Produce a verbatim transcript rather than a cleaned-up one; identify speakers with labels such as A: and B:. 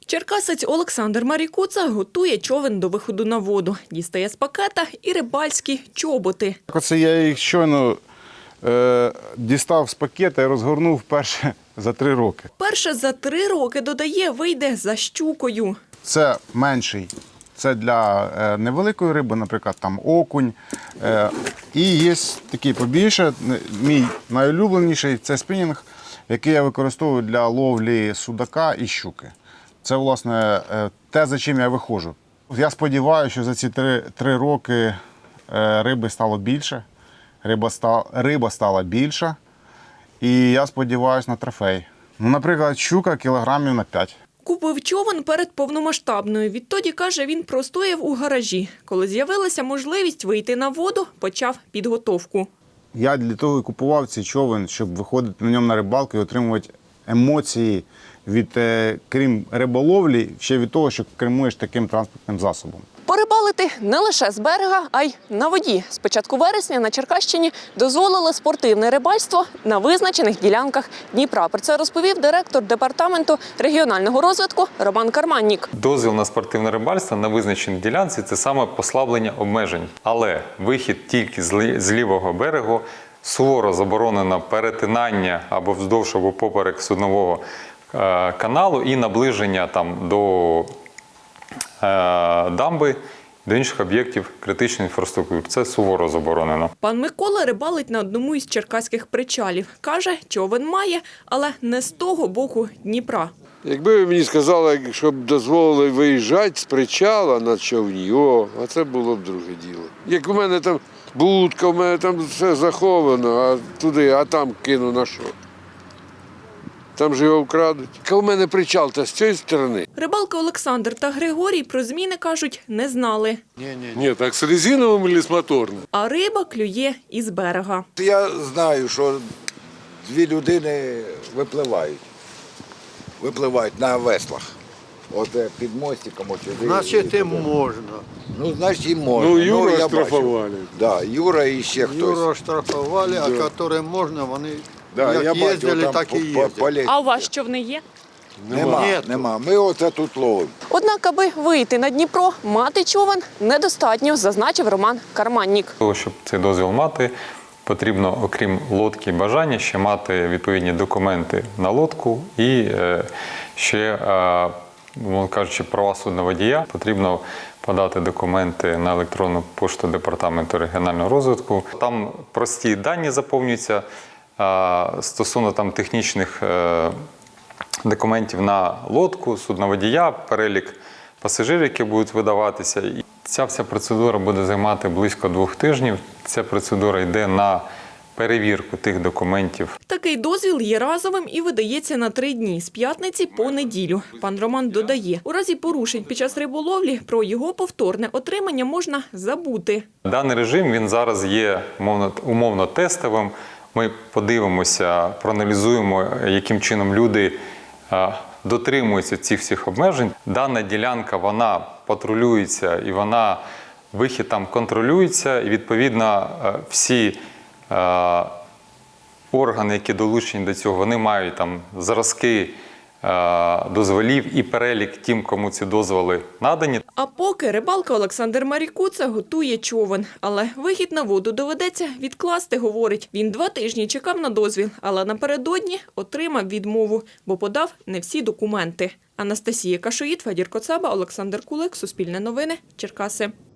A: Черкасець Олександр Марікуца готує човен до виходу на воду. Дістає з пакета і рибальські чоботи.
B: Оце я їх щойно е, дістав з пакета і розгорнув вперше за три роки.
A: Перше за три роки, додає, вийде за щукою.
B: Це менший. Це для е, невеликої риби, наприклад, там окунь. Е, і є такий побільше. Мій найулюбленіший – це спінінг, який я використовую для ловлі судака і щуки. Це, власне, те, за чим я виходжу. Я сподіваюся, що за ці три, три роки риби стало більше, риба стала, риба стала більша, і я сподіваюся на трофей. Ну, наприклад, щука кілограмів на п'ять.
A: Купив човен перед повномасштабною. Відтоді, каже, він простояв у гаражі. Коли з'явилася можливість вийти на воду, почав підготовку.
B: Я для того і купував цей човен, щоб виходити на ньому на рибалку і отримувати емоції від, крім риболовлі, ще від того, що кермуєш таким транспортним засобом.
A: Порибалити не лише з берега, а й на воді. З початку вересня на Черкащині дозволили спортивне рибальство на визначених ділянках Дніпра. Про це розповів директор департаменту регіонального розвитку Роман Карманнік.
C: Дозвіл на спортивне рибальство на визначеній ділянці – це саме послаблення обмежень. Але вихід тільки з лівого берегу, суворо заборонено перетинання або вздовж або поперек суднового каналу і наближення там до дамби, до інших об'єктів критичної інфраструктури. Це суворо заборонено.
A: Пан Микола рибалить на одному із черкаських причалів. Каже, човен має, але не з того боку Дніпра.
D: Якби ви мені сказали, щоб дозволили виїжджати з причала на човні, о, а це було б друге діло. Як у мене там будка, у мене там все заховано, а туди, а там кину на що? Там же його вкрадуть. У мене причал та з цієї сторони.
A: Рибалки Олександр та Григорій про зміни, кажуть, не знали.
D: Ні, ні, ні, так з резиновим чи з моторним?
A: А риба клює із берега.
E: Я знаю, що дві людини випливають. Випливають на веслах. От під мостиком. От сюди.
F: Значить, їм можна.
E: Ну, значить, їм можна.
D: Ну, Юра
E: я
D: штрафували.
E: Да, Юра і ще хтось.
F: Юра штрафували, а яким можна, вони
E: Да,
F: як
E: я бачу,
F: їздили,
E: там
F: так і
E: по- по-
F: їздять.
E: полі-
A: А у вас човни є?
E: Нема,
F: Ні.
E: нема. Ми оце тут ловимо.
A: Однак, аби вийти на Дніпро, мати човен недостатньо, зазначив Роман Карманнік.
C: Для того, щоб цей дозвіл мати, потрібно, окрім лодки і бажання, ще мати відповідні документи на лодку і е, ще, е, мовно кажучи, права судноводія. Потрібно подати документи на електронну пошту Департаменту регіонального розвитку. Там прості дані заповнюються е, стосовно там технічних е, документів на лодку, судноводія, перелік пасажирів, які будуть видаватися. І ця вся процедура буде займати близько двох тижнів. Ця процедура йде на перевірку тих документів.
A: Такий дозвіл є разовим і видається на три дні – з п'ятниці по неділю. Пан Роман додає, у разі порушень під час риболовлі про його повторне отримання можна забути.
C: Даний режим, він зараз є умовно, умовно тестовим. Ми подивимося, проаналізуємо, яким чином люди а, дотримуються цих всіх обмежень. Дана ділянка, вона патрулюється і вона, вихід там контролюється. І, відповідно, всі а, органи, які долучені до цього, вони мають там зразки а, дозволів і перелік тим, кому ці дозволи надані.
A: А поки рибалка Олександр Марікуца готує човен. Але вихід на воду доведеться відкласти, говорить. Він два тижні чекав на дозвіл, але напередодні отримав відмову, бо подав не всі документи. Анастасія Кашоїд, Федір Коцаба, Олександр Кулик, Суспільне новини, Черкаси.